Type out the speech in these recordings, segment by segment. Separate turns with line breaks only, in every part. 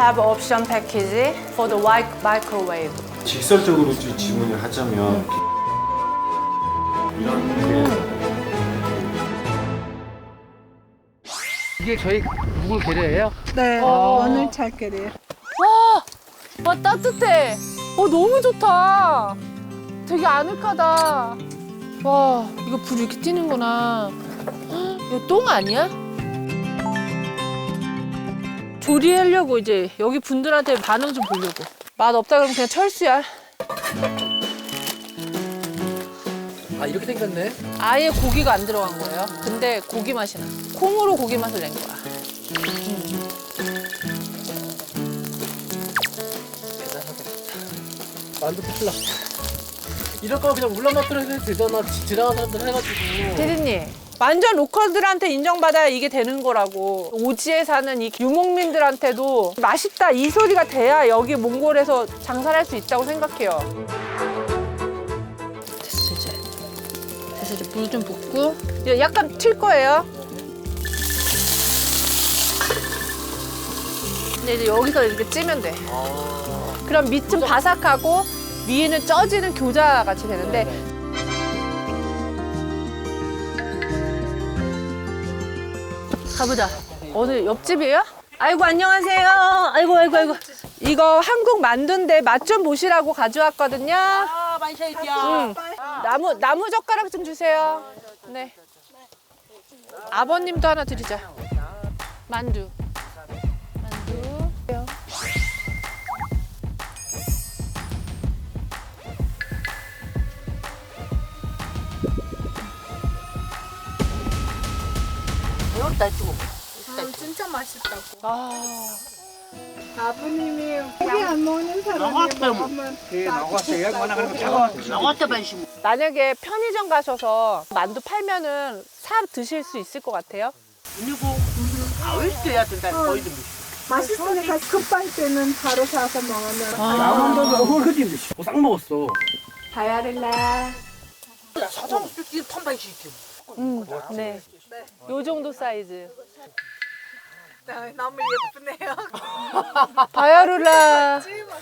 have option package for the microwave.
직설적으로 질문을 하자면 이런
이게 저희 묵을 계려예요?
네, 오늘 잘 끓여요.
와 따뜻해. 너무 좋다. 되게 아늑하다. 와 이거 불 이렇게 튀는구나. 헉, 이거 똥 아니야? 조리하려고 이제 여기 분들한테 반응 좀 보려고. 맛 없다 그러면 그냥 철수야.
아 이렇게 생겼네.
아예 고기가 안 들어간 거예요. 근데 고기 맛이 나. 콩으로 고기 맛을 낸 거야.
만두 피클라. 이럴 거면 그냥 울란바토르 해도 되잖아. 지나가는 사람들 해가지고.
대리님, 완전 로컬들한테 인정받아야 이게 되는 거라고. 오지에 사는 이 유목민들한테도 맛있다 이 소리가 돼야 여기 몽골에서 장사를 할 수 있다고 생각해요. 됐어 이제. 됐어 이제 물 좀 붓고. 이제 약간 튈 거예요. 근데 이제 여기서 이렇게 찌면 돼. 그럼 밑은 바삭하고 위에는 쪄지는 교자 같이 되는데 가보자. 어디 옆집이에요? 아이고 안녕하세요. 아이고. 이거 한국 만두인데 맛 좀 보시라고 가져왔거든요. 응. 나무 젓가락 좀 주세요. 네. 아버님도 하나 드리자. 만두.
진짜 맛있다고.
아.
아버님이 고기 안 먹는 사람이 먹으면
만약에 편의점 가셔서 만두 팔면은 사 드실 수 있을 것 같아요?
맛있으니까 급할 때는 바로 사서 먹으면.
싹 먹었어.
바야를라.
네. 요 정도 사이즈.
너무 예쁘네요.
바야룰라.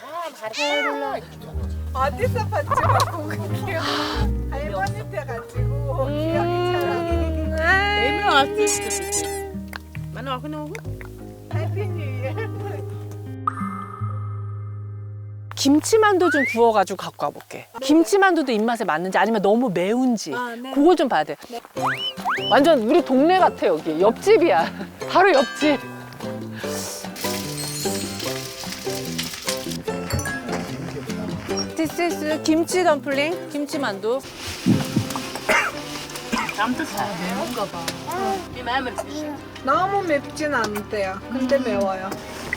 어디서 봤지만 고급이요. 할머니 때 가지고 기억이 잘 안 나요. 해피 뉴 이어.
김치만두 좀 구워가지고 갖고 와볼게. 김치만두도 입맛에 맞는지 아니면 너무 매운지
네.
그걸 좀 봐야 돼. 완전 우리 동네 같아 여기. 옆집이야. 바로 옆집. This is 김치 덤플링, 김치만두.
너무 맵진 않대요. 근데 매워요.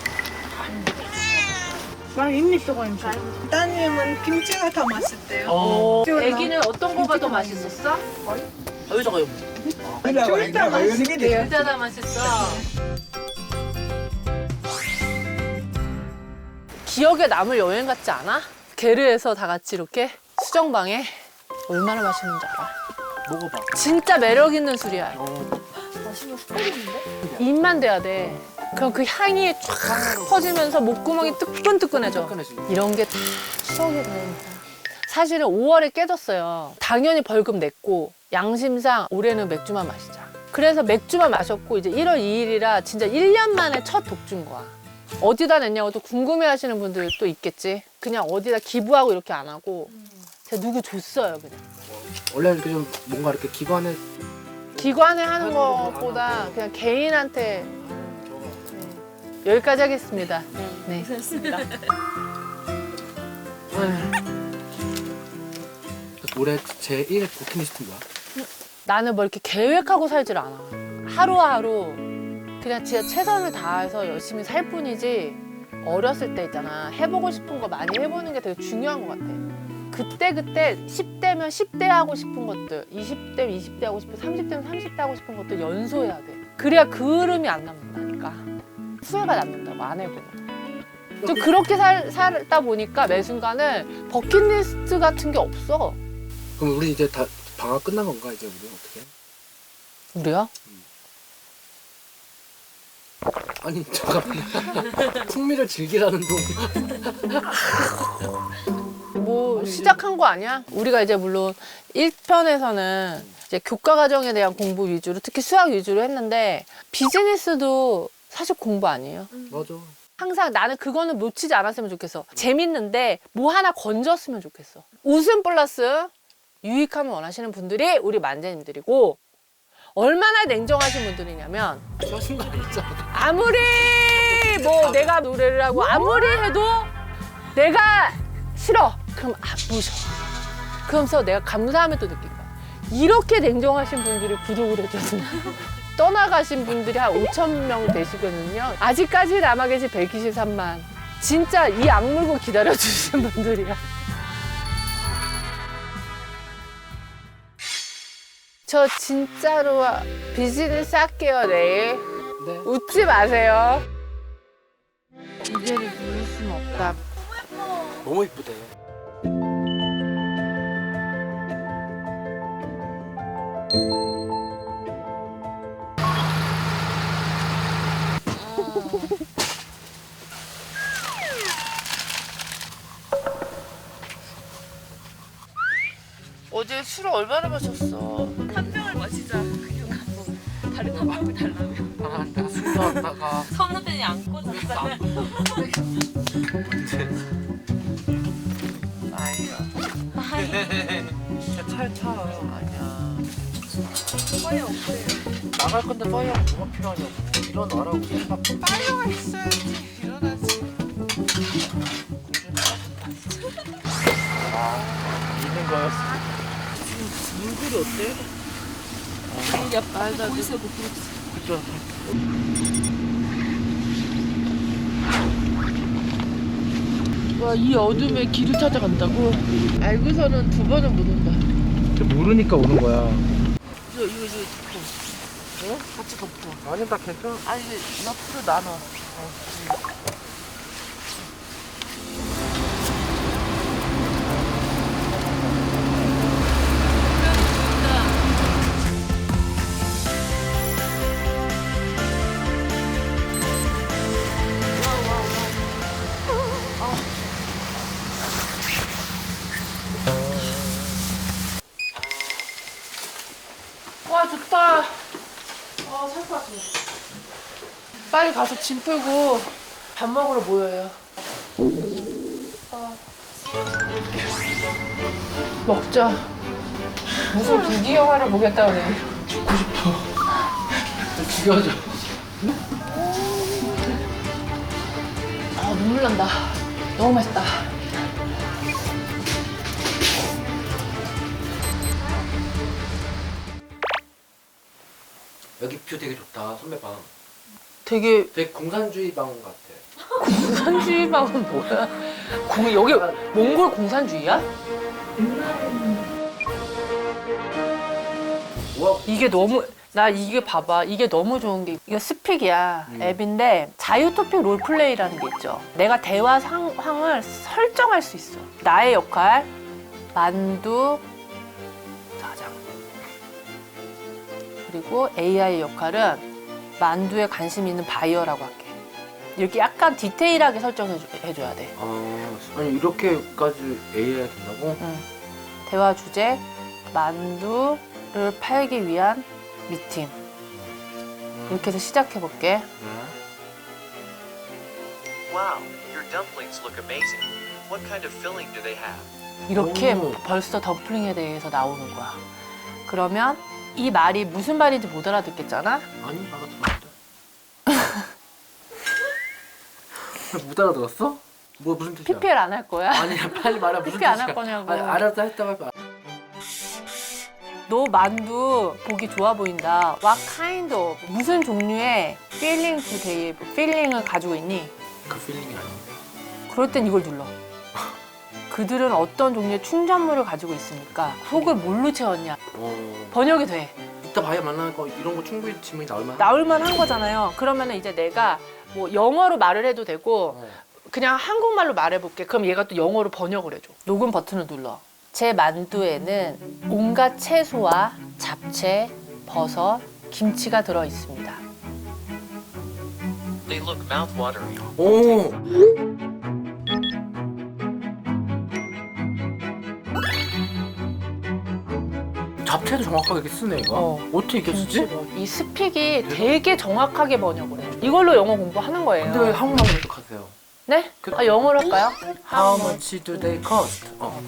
따님은 김치가 더 맛있대요.
애기는 어떤 거가 더 맛있었어?
여기다가요.
둘 다 맛있대요.
진짜 다 맛있어. 기억에 남을 여행 같지 않아? 게르에서 다 같이 이렇게 수정방에 얼마나 맛있는지 알아?
먹어봐.
진짜 매력 있는 술이야. 입만 돼야 돼. 그럼 그 향이 쫙 퍼지면서 목구멍이 뜨끈뜨끈해져. 이런 게 다 추억이 되니까. 사실은 5월에 깨졌어요. 당연히 벌금 냈고 양심상 올해는 맥주만 마시자. 그래서 맥주만 마셨고 이제 1월 2일이라 진짜 1년 만에 첫 독주인 거야. 어디다 냈냐고 또 궁금해하시는 분들 또 있겠지. 그냥 어디다 기부하고 이렇게 안 하고 제가 누구 줬어요 그냥.
원래 이렇게 좀 뭔가 이렇게
기관에 하는 것보다 그냥 개인한테. 네. 여기까지 하겠습니다. 네.
올해 제1 버킷리스트는 뭐야?
나는 뭐 이렇게 계획하고 살질 않아. 하루하루 그냥 진짜 최선을 다해서 열심히 살 뿐이지. 어렸을 때 있잖아. 해보고 싶은 거 많이 해보는 게 되게 중요한 것 같아. 그때 10대면 10대 하고 싶은 것들, 20대면 20대 하고 싶은, 30대면 30대 하고 싶은 것들 연소해야 돼. 그래야 그 흐름이 안 남는다니까. 후회가 남는다고 안 해보면. 좀 그렇게 살다 보니까 매 순간은 버킷리스트 같은 게 없어.
그럼 우리 이제 다 방학 끝난 건가 이제 우리 어떻게?
우리요?
아니 잠깐만. 풍미를 즐기라는 동.
뭐 시작한 거 아니야? 우리가 이제 물론 1편에서는 이제 교과 과정에 대한 공부 위주로 특히 수학 위주로 했는데 비즈니스도 사실 공부 아니에요?
맞아.
항상 나는 그거는 놓치지 않았으면 좋겠어. 재밌는데 뭐 하나 건졌으면 좋겠어. 웃음 플러스 유익함을 원하시는 분들이 우리 만재님들이고 얼마나 냉정하신 분들이냐면
하신 거 아니잖아.
아무리 뭐 내가 노래를 하고 아무리 해도 내가 싫어. 그럼 안 보셔. 그러면서 내가 감사함을 또 느낀 거야. 이렇게 냉정하신 분들이 구독을 해줬으면 떠나가신 분들이 한 5,000명 되시거든요. 아직까지 남아 계신 123만. 진짜 이 악물고 기다려주신 분들이야. 저 진짜로 비즈니스 할게요, 내일.
네.
웃지 마세요. 이제를 누릴 수는 없다.
너무 이쁘대.
어제 술 얼마나 마셨어?
한 병을 마시자. 그냥 가서 다른 한 병을 달라며.
아, 내가 술 좋아한다가.
선후배니 안고 잤잖아.
아니야.
차에 차.
아니야.
빨리 없어요.
나갈 건데 파이어가 뭐가 필요하냐고. 일어나라고 생각.
파이어가 있어야지. 일어나지.
있는 거였어.
물굴이 어때? 야, 말도 안 돼.
그죠.
와, 이 어둠에 길을 찾아간다고? 알고서는 두 번은 못 온다.
모르니까 오는 거야.
이거 덮어. 어? 같이 덮어.
아니 나 괜찮아.
아니, 이거 옆으로 나눠. 와, 좋다. 살 것 같아. 빨리 가서 짐 풀고 밥 먹으러 모여요. 먹자. 무슨 불기 영화를 보겠다 그래.
죽여줘.
아, 눈물 난다. 너무 맛있다.
여기 뷰 되게 좋다. 선배 방.
되게
되게 공산주의 방 같아.
공산주의방은 뭐야? 여기 몽골 공산주의야?
우와.
이게 너무 나 이게 봐봐 이게 너무 좋은 게 이거 스픽이야 앱인데 자유토픽 롤플레이라는 게 있죠. 내가 대화 상황을 설정할 수 있어. 나의 역할 만두 사장 그리고 AI 역할은 만두에 관심 있는 바이어라고 할게. 이렇게 약간 디테일하게 설정해줘야 돼.
아니 이렇게까지 AI가 된다고?
응. 대화 주제 만두를 팔기 위한 미팅. 이렇게 해서 시작해볼게.
Wow, your dumplings look amazing. What kind of filling do they have?
이렇게
오.
벌써 덤플링에 대해서 나오는 거야. 그러면 이 말이 무슨 말인지 못 알아듣겠잖아?
아니 알아들었는데. 못 알아들었어? 뭐 무슨 뜻이야?
PPL 안 할 거야?
아니야 빨리 말해 무슨
PPL
뜻이야?
안 할 거냐고.
아니, 알았다 했다 말봐.
너 만두 보기 좋아 보인다. What kind of 무슨 종류의 feeling today feeling을 가지고 있니?
그 필링이 아닌데.
그럴 땐 이걸 눌러. 그들은 어떤 종류의 충전물을 가지고 있습니까? 속을 뭘로 채웠냐? 번역이 돼.
이따 바이어 만나는 거 이런 거 충분히 질문이 나올만.
나올만 한 거잖아요. 그러면 이제 내가 뭐 영어로 말을 해도 되고 그냥 한국말로 말해볼게. 그럼 얘가 또 영어로 번역을 해줘. 녹음 버튼을 눌러. 제 만두에는 온갖 채소와 잡채, 버섯, 김치가 들어 있습니다.
They look mouth-watering.
오. 잡채도 정확하게 이렇게 쓰네 이거. 어떻게 이렇게 쓰지?
이 스픽이 되게 정확하게 번역을 해. 이걸로 영어 공부하는 거예요.
근데 왜 한국말 계속하세요?
네? 아, 영어로 할까요?
How much do they cost?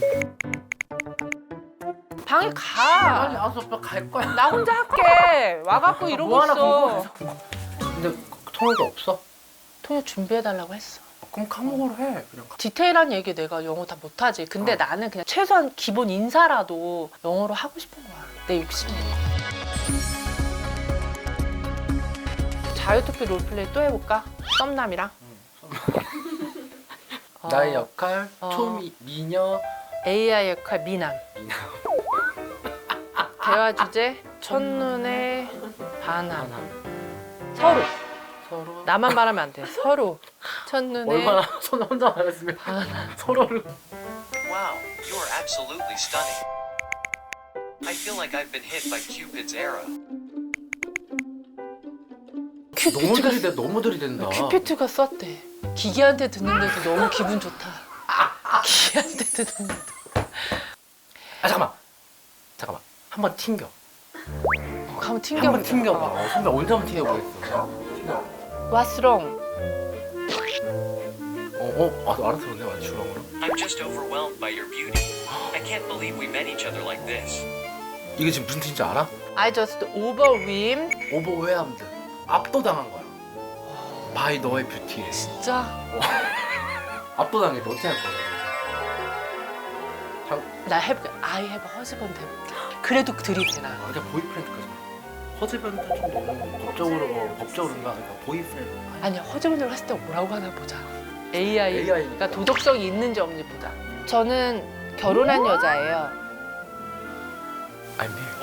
방에
아니
가.
알았어 오빠 갈 거야.
나 혼자 할게. 와갖고 이러고
뭐 하나
있어.
궁금해서. 근데 통역이 없어?
통역 준비해달라고 했어.
그럼 한국어로 해. 그냥.
디테일한 얘기 내가 영어 다 못하지. 근데 나는 그냥 최소한 기본 인사라도 영어로 하고 싶은 거야. 내 욕심이야. 자유투표 롤플레이 또 해볼까? 썸남이랑.
나의 역할
어.
초미녀
AI 역할 미남. 대화 주제 첫눈에 반함. 서로.
서로
나만 말하면 안 돼. 서로. 첫눈에
얼마나 손 혼자 말했으면 서로를
Wow, you are absolutely stunning. I feel like I've been hit by Cupid's arrow.
너무 들이대 너무 들이댄다.
큐피트가 썼대. 기계한테 듣는데도 너무 기분 좋다. 기계한테 듣는데도.
아 잠깐만 한번 튕겨.
한번 튕겨보자.
한번 튕겨봐. 선배 언제 한번 튕겨보겠어.
What's wrong?
알았어 근데 완전 주렁으로.
I'm just overwhelmed by your beauty. I can't believe we met each other like this.
이게 지금 무슨 뜻인지 알아?
I just overwhelmed.
오버웨함드. 압도당한 거야. 바이 너의 뷰티에.
진짜?
압도당해. 너 어떻게 할 거야?
나 해볼게. I have a husband 해볼게. 그래도 들이대나.
그냥 보이프렌드까지. 허즈밴드 좀 너무 법적으로인가? 그러니까 보이프렌드.
아니야, 허즈밴드를 했을 때 뭐라고 하나 보자. AI가
AI니까.
도덕성이 있는지 없는지 보자. 저는 결혼한 여자예요.
I'm here.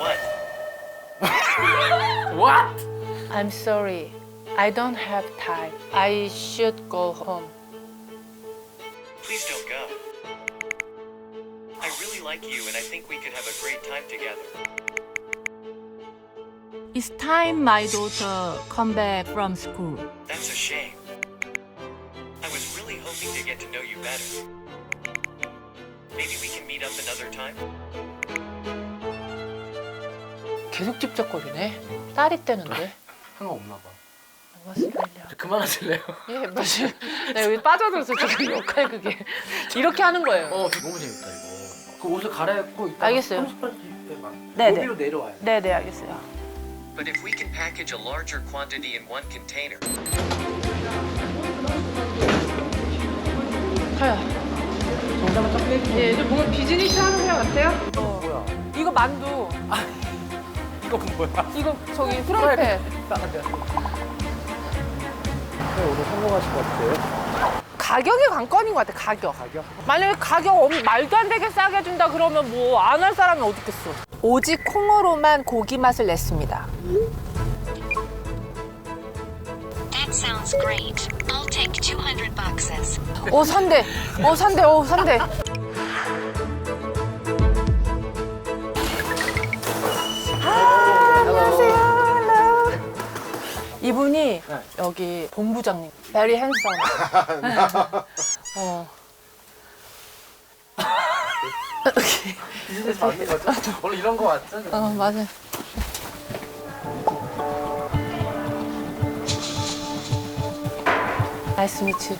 What?
What?
I'm sorry. I don't have time. I should go home.
Please don't go. I really like you and I think we could have a great time together.
It's time my daughter come back from school.
That's a shame. I was really hoping to get to know you better. Maybe we can meet up another time?
계속 집적거리네. 딸이 떼는데.
상관없나 봐.
오스트레일리아.
그만하실래요?
예, 맞아요. 나 여기 빠져들어서 지금 역할 그게. 이렇게 하는 거예요.
너무 재밌다 이거. 그 옷을 갈아입고 이따가
알겠어요.
30분 때만
네네.
여기로 내려와요.
네, 알겠어요.
But if we can package a larger quantity in one container,
가요. 예, 이제 뭔가 비즈니스 하는 회 같아요?
뭐야?
이거 만두.
이거 뭐야?
이거 저기 프라이팬.
오늘 성공하실 것 같아요?
가격이 관건인 것 같아, 가격. 만약에 가격 말도 안 되게 싸게 준다 그러면 뭐 안 할 사람이 어디 있겠어. 오직 콩으로만 고기 맛을 냈습니다.
That sounds great. I'll take 200 boxes.
산대. 산대. 안녕하세요. Hello. 이분이 여기 본부장님. Very handsome.
비즈니스 맞는 거죠? 원래 이런 거 맞죠?
맞아. Nice to meet you.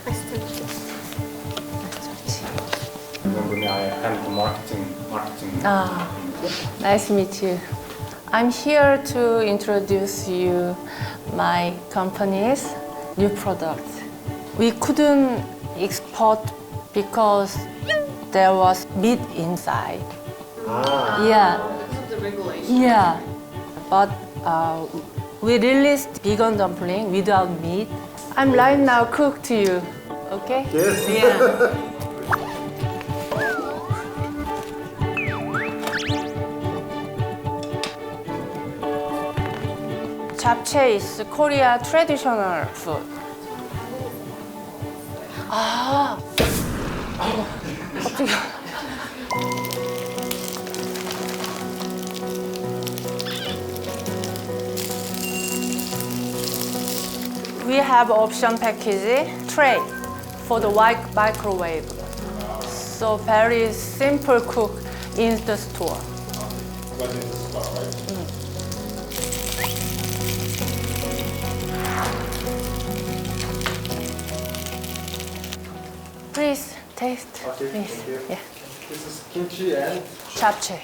I am marketing.
Nice to meet you. I'm here to introduce you my company's new product. We couldn't export because there was meat inside. Yeah. Yeah. But we released vegan dumpling without meat. I'm right now cook to you. Okay? Yes. Yeah. 잡채 is Korea traditional food. 갑자기. we have option package tray for the microwave. So very simple cook in the store. Please taste. Please. Yeah.
This is kimchi and
잡채.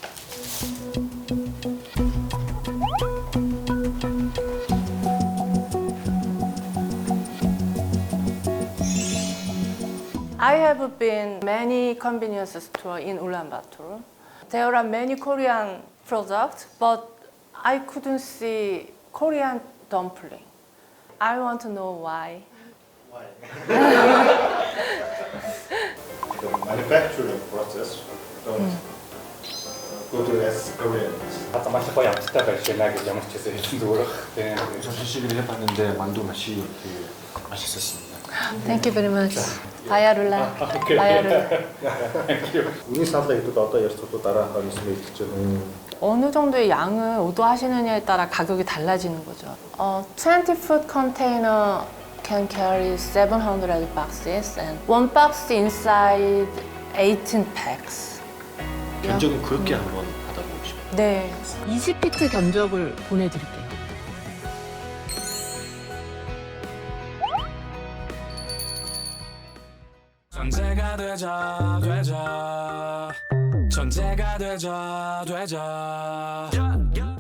I have been many convenience store in Ulaanbaatar. There are many Korean products, but I couldn't see Korean dumpling. I want to know why.
the manufacturing process don't go to as Korean. حتى ما شافوا يعني تشتغل شيء لاقي جامعة كذا يدور.
우선 시식을 해봤는데 만두 맛이 되게 맛있었습니다.
Thank you very much. 바야룰라. 바야룰라.
Үүний саналаа идэв одоо ярьж 또 дараахаар 있으면 있죠.
어느 정도의 양을 오도하시느냐에 따라 가격이 달라지는 거죠. 20 food container can carry 700 boxes and one box inside 18 packs.
견적은 그렇게 한번 받아보고 싶어요.
네. 20피트 견적을 보내드릴게요.
전제가 되자 전제가 되자